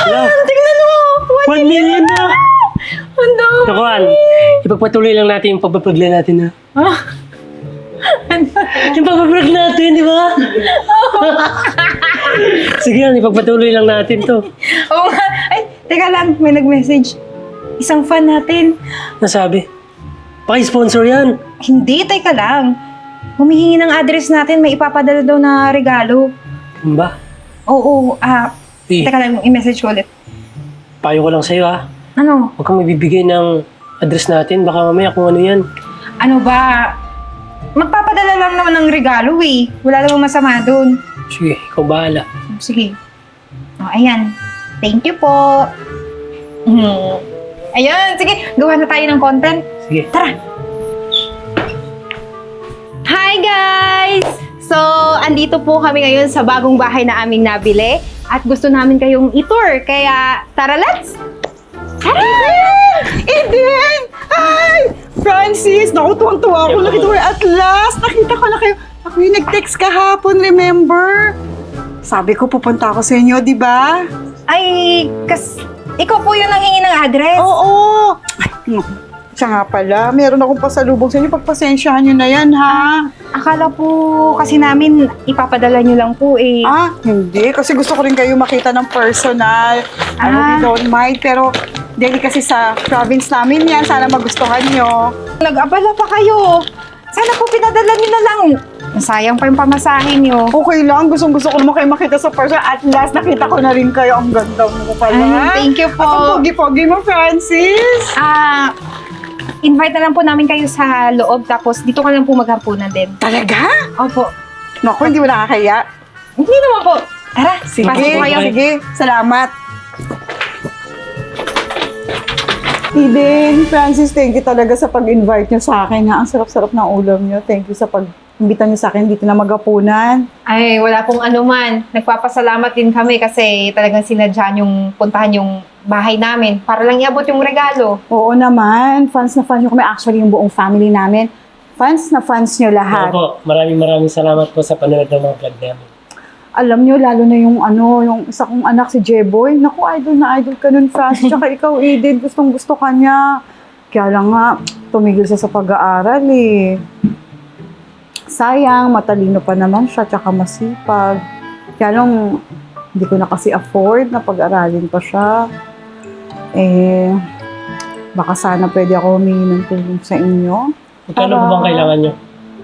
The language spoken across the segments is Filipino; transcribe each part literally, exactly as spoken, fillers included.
Yan! Tingnan mo! One million na! Ang dami! Nakuan, ipagpatuloy lang natin yung pagpaplagla natin ha. Ah. Yung pagpaplug natin, di ba? Sige yan, ipagpatuloy lang natin to. Oo nga. Ay, teka lang. May nag-message. Isang fan natin. Nasabi, paki-sponsor yan. Hindi, teka lang. Humihingi ng address natin. May ipapadala daw na regalo. Ano ba? Oo, ah... Eh, teka lang, i-message ko ulit. payo ko lang sa'yo ha. Ano? Huwag kang mabibigay ng address natin. Baka mamaya kung ano yan. Ano ba? Magpapadala lang naman ng regalo eh. Wala namang masama doon. Sige, ikaw bahala. Sige. O, ayan. Thank you po. Hmm. Ayan, sige. Gawa na tayo ng content. Sige. Tara! Hi guys! So, andito po kami ngayon sa bagong bahay na aming nabili. At gusto namin kayong i-tour. Kaya, tara, let's! Tara! Eden! Hi! Francis! Naku, tuwang-tuwa ako. Nakita ko at last. Nakita ko na kayo. Ako yung nag-text kahapon, remember? Sabi ko, pupunta ako sa inyo, di ba? Ay, kas... Ikaw po yung nanghingi ng address? Oo! Ay, naku. Siya nga pala, meron akong pasalubong sa inyo. Pagpasensyahan nyo na yan, ha? Akala po kasi namin ipapadala nyo lang po eh. Ah, hindi. Kasi gusto ko rin kayo makita ng personal. Ano, Ah. we don't mind. Pero, dahil kasi sa province namin yan, sana magustuhan nyo. Nag-abala pa kayo. Sana po pinadala nyo na lang. Sayang pa yung pamasahin nyo. Okay lang, gustong-gusto ko naman kayo makita sa person. At last, nakita ko na rin kayo. Ang ganda mo pala. Ay, thank you po. At ang pogi-pogi mo, Francis. Ah, invite na lang po namin kayo sa loob tapos dito ka lang po maghapunan din. Talaga? Opo. Naku, hindi mo nakakaya. Hindi naman po. Tara, Sige, pasok po kayo. sige. Salamat. Eden, Francis, thank you talaga sa pag-invite nyo sa akin. Ha? Ang sarap-sarap ng ulam nyo. Thank you sa pag-imbita nyo sa akin dito na magapunan. Ay, wala pong anuman. Nagpapasalamat din kami kasi talagang sinadya yung puntahan yung bahay namin para lang iabot yung regalo. Oo naman, fans na fans nyo kami. Actually, yung buong family namin. Fans na fans nyo lahat. Opo, maraming maraming salamat po sa panonood ng mga vlog namin. Alam nyo, lalo na yung ano, yung isa kong anak si Jeboy. Naku, idol na idol ka nun, Francis. Tsaka ikaw, Eden, gustong gusto ka niya. Kaya lang nga, tumigil siya sa pag-aaral eh. Sayang, matalino pa naman siya, tsaka masipag. Kaya lang, hindi ko na kasi afford na pag-aralin pa siya. Eh, baka sana pwede ako humingi ng tulong sa inyo. Magkano po bang kailangan nyo?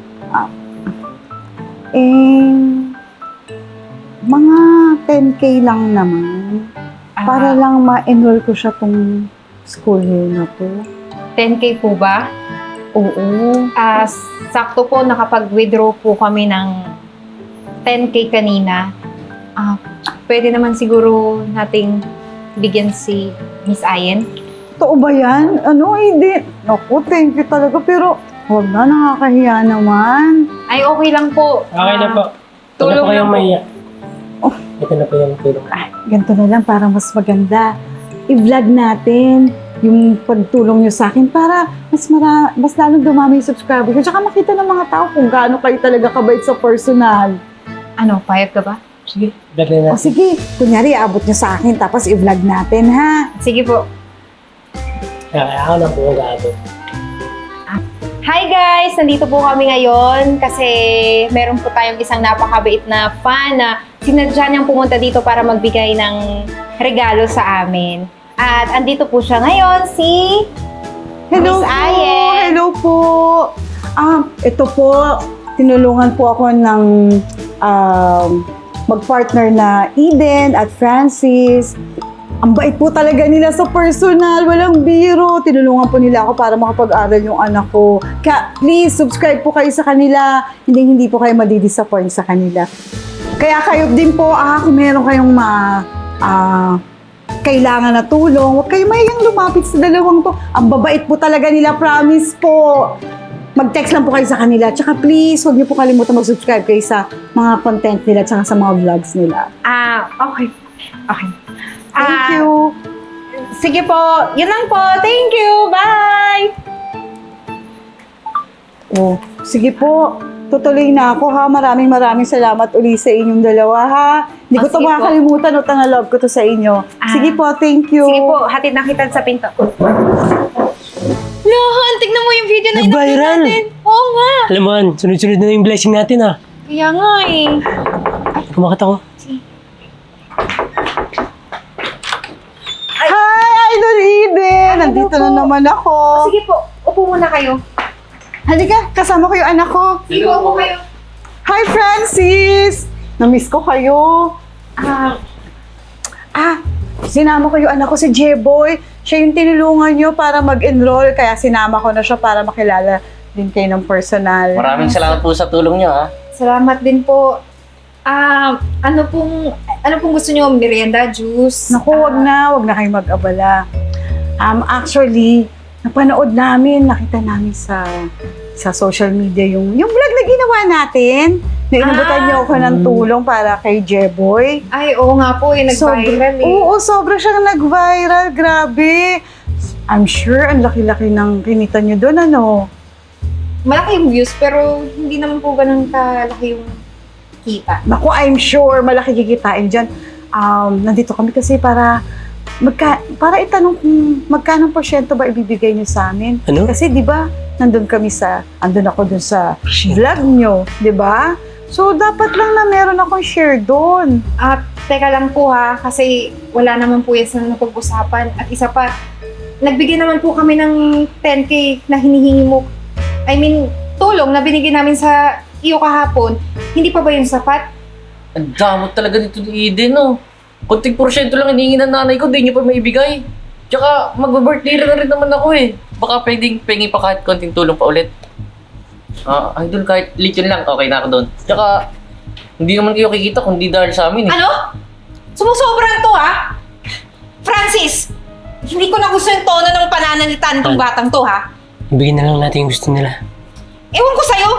Eh, mga ten K lang naman. Para Ah, lang ma-enroll ko siya tong school year na to. ten K po ba? Oo. Ah, sakto po nakapag-withdraw po kami ng ten K kanina. Ah, pwede naman siguro nating bigyan si Miss Ayen. Totoo ba yan? Ano, hindi. Naku, thank you talaga. Pero, huwag na, nakakahiya naman. Ay, okay lang po. Okay na Ah, po. tulong Tulong po lang kayong po. maiyak. Oh. Ito na po yung tulong. Ay, ganito na lang para mas maganda. I-vlog natin yung pagtulong nyo sa akin para mas mara, mas lalong dumami yung subscribers. At saka makita ng mga tao kung gaano kayo talaga kabait sa personal. Ano, payag ka ba? Sige, vlog na O natin. sige, kunyari, abot nyo sa akin tapos i-vlog natin, ha? Sige po. Kaya ako na po mag-aabot. Hi guys! Nandito po kami ngayon kasi meron po tayong isang napakabait na fan na sinadya niyang pumunta dito para magbigay ng regalo sa amin. At andito po siya ngayon, si Hello Miss po! Ayen. Hello po! Ah, ito po, tinulungan po ako ng um, mag-partner na Eden at Francis. Ang bait po talaga nila sa personal, walang biro. Tinulungan po nila ako para makapag-aral yung anak ko. Kaya please, subscribe po kayo sa kanila. Hindi, hindi po kayo madidisappoint sa kanila. Kaya kayo din po, ah, kung meron kayong ma, ah, kailangan na tulong, huwag kayo mahiyang lumapit sa dalawang to. Ang babait po talaga nila, promise po. Mag-text lang po kayo sa kanila. Tsaka please, huwag niyo po kalimutan mag-subscribe kayo sa mga content nila tsaka sa mga vlogs nila. Ah, okay. Okay. Thank Ah, you! Sige po. Yun lang po. Thank you. Bye! Oh, sige po. Tutuloy na ako ha. Maraming maraming salamat uli sa inyong dalawa ha. Hindi ko Oh, to sige po. makakalimutan. Utang na love ko to sa inyo. Ah. Sige po, thank you. Sige po, hatid na kita sa pinto. Lohan, tignan mo yung video na in-upload Nag-viral. natin. Oo nga. Alam mo, Han, sunod-sunod na yung blessing natin ah. Kaya nga eh. Kumakat ako. Hi, Idol Eden! Nandito po. na naman ako. Sige po, upo muna kayo. Halika, kasama ko yung anak ko. Sige po, upo kayo. Hi, Francis! Namiss ko kayo. Ah, Ah, sinama ko yung anak ko si J-Boy. Siya yung tinulungan nyo para mag-enroll, kaya sinama ko na siya para makilala din kayo ng personal. Maraming salamat po sa tulong niyo, ha? salamat din po. Ah, ano pong ano pong gusto niyo? Merienda, juice? Naku, wag Ah, na, wag na kayong mag-abala. Um, actually, napanood namin, nakita namin sa sa social media yung yung vlog na ginawa natin. Na inabutan Ah. niyo ako ng tulong para kay J-Boy. Ay, oo nga po eh, nag-viral eh. Oo, sobra siyang nag-viral. Grabe. I'm sure ang laki-laki ng kinita niyo doon, ano? Malaki yung views, pero hindi naman po ganun kalaki yung kita. Naku, I'm sure malaki kikitain dyan. Um, nandito kami kasi para magka, para itanong kung magkano porsyento ba ibibigay niyo sa amin. Ano? Kasi di ba, nandun kami sa, andun ako dun sa vlog niyo, di ba? So, dapat lang na meron akong share doon. At teka lang po ha, kasi wala naman po yan sa napag-usapan. At isa pa, nagbigay naman po kami ng ten K na hinihingi mo. I mean, tulong na binigay namin sa iyo kahapon. Hindi pa ba yun sapat? Ang damot talaga nito ni Eden, no? Kunting porsyento lang hinihingi ng nanay ko, di niyo pa maibigay. Tsaka, mag-birthday na rin naman ako eh. Baka pwedeng pengi pa kahit konting tulong pa ulit. Ah, idol, kahit lityon lang, okay na ako doon. Tsaka, hindi naman kayo kikita kung di dahil sa amin eh. Ano? Sumusobra to ha? Francis! Hindi ko na gusto yung tono ng pananalita nitong Ah. batang to ha? Ibigin na lang natin yung gusto nila. Ewan ko sa'yo!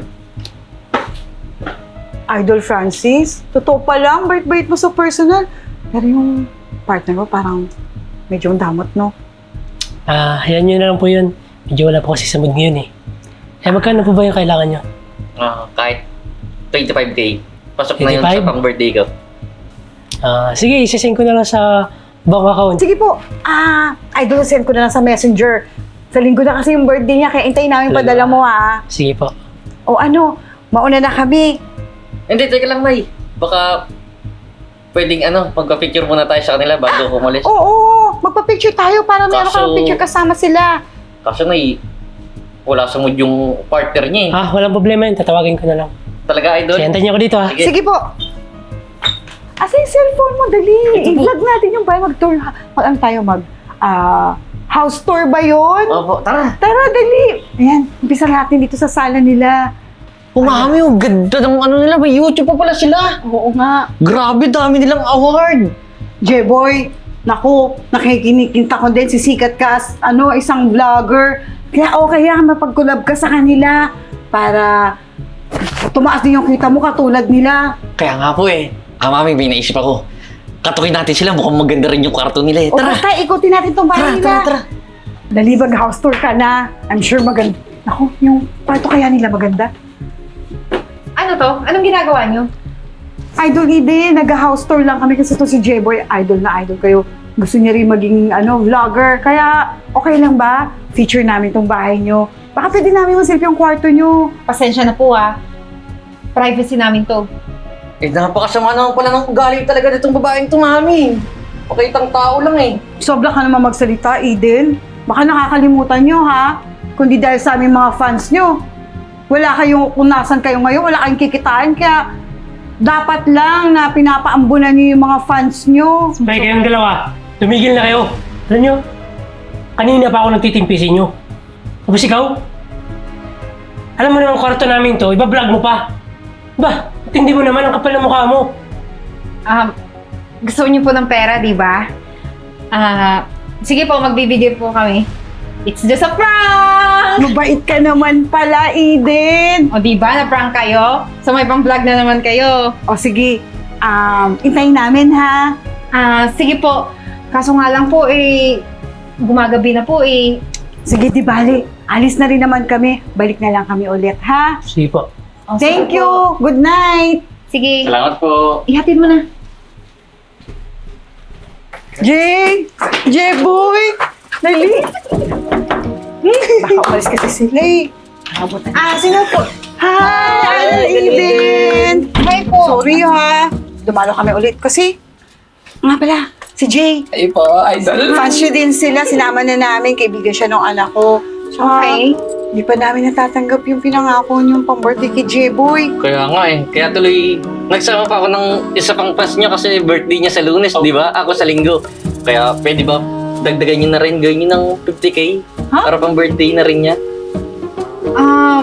Idol Francis, totoo pa lang, bait-bait mo sa personal. Pero yung partner mo parang medyo damot, no? Ah, hayaan nyo na lang po yun. Medyo wala po kasi sa mood ngayon eh. Eh, magkano po ba yung kailangan nyo? Ah, kahit twenty-five K. Pasok na yun twenty-five? sa pang-birthday ko. Ah, sige, isasend ko na lang sa bank account. Sige po, ah, idol, send ko na lang sa messenger. Sa linggo na kasi yung birthday niya, kaya hintayin namin Talaga? padala mo, ha? Sige po. O ano, mauna na kami. Hindi, teka lang, May. Baka pwedeng ano, magpa-picture muna tayo sa kanila bago umalis. Oo, magpa-picture tayo para meron Kaso- kang picture kasama sila. Kasi May, wala sa mood yung partner niya eh. Ah, walang problema yun. Tatawagin ko na lang. Talaga, idol? Sige, antayin niyo ako dito ha. Sige. Sige po. Asa yung cellphone mo, dali. I-vlog natin yung bahay, mag-tour. Mag, ano tayo, mag, ah, house tour ba yun? Opo, tara. Tara, dali. Ayan, umpisa natin dito sa sala nila. Umami, ang ganda ng ano nila. May YouTube pa pala sila. Oo nga. Grabe, dami nilang award. J-Boy, naku, nakikinikinta ko din, sisikat ka as, ano, isang vlogger. Kaya okay yan, mapag-collab ka sa kanila para tumaas din yung kita mo katulad nila. Kaya nga po eh. Ah, mami, may naisip ako. Katukin natin sila. Mukhang maganda rin yung karton nila eh. O Tara. basta, ikutin natin itong bahay Tara, nila. tara, tara. Dali, mag-house tour ka na. I'm sure maganda. Naku, yung kwarto kaya nila maganda. Ano to? Anong ginagawa niyo? Idol Ide, nag-house tour lang kami kasi to si J-Boy, idol na idol kayo. Gusto niya rin maging ano, vlogger. Kaya, okay lang ba? Feature namin tong bahay nyo. Baka pwede namin masilip yung kwarto nyo. Pasensya na po ha. Privacy namin to. Eh, napakasama naman pala ng ugali talaga nitong babaeng to, mami. Pakaitang tao lang eh. Sobra ka naman magsalita, Eden. Baka nakakalimutan nyo, ha? Kundi dahil sa aming mga fans nyo. Wala kayong, kung nasan kayo ngayon, wala kayong kikitaan. Kaya, dapat lang na pinapaambunan nyo yung mga fans nyo. Sabay kayong dalawa. Tumigil na kayo. Alam nyo, kanina pa ako nagtitimpi sa inyo. Tapos ikaw? Alam mo naman kwarto namin to, iba-vlog mo pa. Ba, tindi mo naman ang kapal ng mukha mo. Um, gusto niyo po ng pera, di ba? Ah, sige po, magbibigay po kami. It's just a prank! Mabait ka naman pala, Eden. O di ba, na-prank kayo? So may pang-vlog na naman kayo. O sige, um, intayin namin, ha? Ah, sige po. Kaso nga lang po eh, gumagabi na po eh. Sige, di bali. Alis na rin naman kami. Balik na lang kami ulit, ha? Sige po. O, Thank sige you. po. Good night. Sige, Salamat po. ihatid mo na. Jay! Jay-boy! Dali! Baka umalis kasi sila eh. Ah, sino po? Hi! Eden! Hi po. Sorry ha. Dumalo kami ulit kasi nga pala, si Jay. Ay po, idol. Fans siya din sila. Sinama na namin. Kaibigan siya ng anak ko. Tsaka, Okay. Hindi pa namin natatanggap yung pinangako niyong pang-birthday kay J-Boy. Kaya nga eh. Kaya tuloy, nagsama pa ako ng isa pang pass niya kasi birthday niya sa Lunes, di ba? Ako sa Linggo. Kaya pwede ba dagdagan niyo na rin, gawin niyo ng fifty K? Ha? Para pang birthday na rin niya. Um,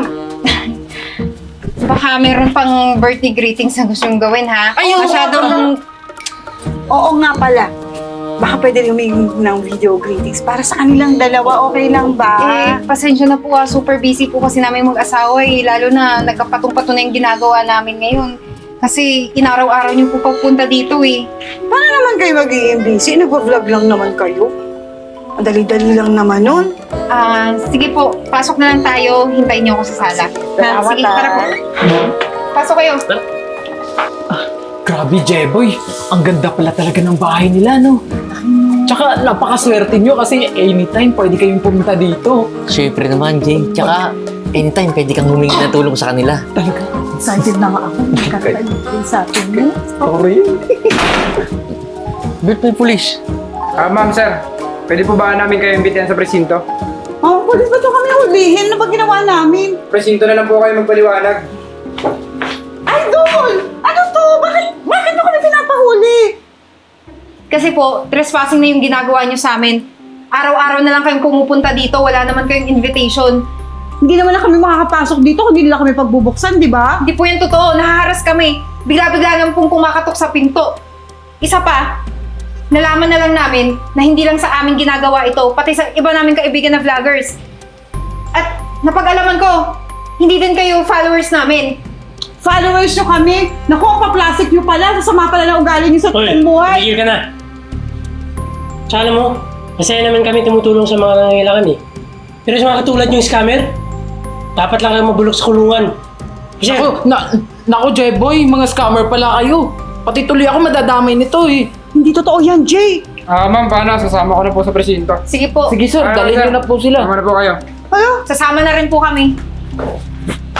baka meron pang birthday greetings na gusto yung gawin, ha? Ayun! Masyadong... Oo nga pala. Baka pwede humingi ng video greetings para sa kanilang dalawa. Okay lang ba? Eh, pasensya na po, ah. Super busy po kasi namin mag-asawa, eh. Lalo na nagkapatong-pato na yung ginagawa namin ngayon. Kasi inaraw-araw niyo po papunta dito, eh. Paano naman kayo mag-i-M B C? Nagpa-vlog lang naman kayo. Ang dali-dali lang naman nun. Ah, sige po, pasok na lang tayo. Hintayin niyo ako sa sala. Ha, Salamat, sige, ah. tara po. Pasok kayo. Grabe, Jeboy. Ang ganda pala talaga ng bahay nila, no? Tsaka napakaswerte nyo kasi anytime pwede kayong pumunta dito. Siyempre naman, Jay. Tsaka, anytime pwede kang humingi ng tulong sa kanila. Talaga. Excited na nga ako. Magkakalit sa atin mo. Sorry. Birthday police. Ah, ma'am, sir. Pwede po ba namin kayo imbitahan sa presinto? Oh, pwede ba ito kami hulihin? Ano ba ginawa namin? Presinto na lang po kayo magpaliwanag. Idol! Ano to? Bakit? Bakit ako na pinapahuli? Kasi po, trespassing na yung ginagawa niyo sa amin. Araw-araw na lang kayong pumupunta dito, wala naman kayong invitation. Hindi naman na kami makakapasok dito kung hindi nila kami pagbubuksan, di ba? Hindi po yan totoo, nahaharas kami. Bigla-bigla naman pong kumakatok sa pinto. Isa pa, nalaman na lang namin na hindi lang sa amin ginagawa ito, pati sa iba naming kaibigan na vloggers. At napag-alaman ko, hindi din kayo followers namin. Followers nyo kami. Naku, ang pa-plastic nyo pala. Sasama pala na ugali nyo sa Hoy, totoong buhay. tumigil ka na. Tsaka alam mo, masaya naman kami tumutulong sa mga nangangailangan eh. Pero sa mga katulad yung scammer, dapat lang kayo mabulok sa kulungan. Kasi, Ako, na, naku, Jeboy, mga scammer pala kayo. Pati tuloy ako madadamay nito eh. Hindi totoo yan, Jay. Ah, ma'am, paano? Sasama ko na po sa presinto. Sige po, Sige sir, Ah, dalhin sir. nyo na po sila. Sama na po kayo. Ano? sasama na rin po kami.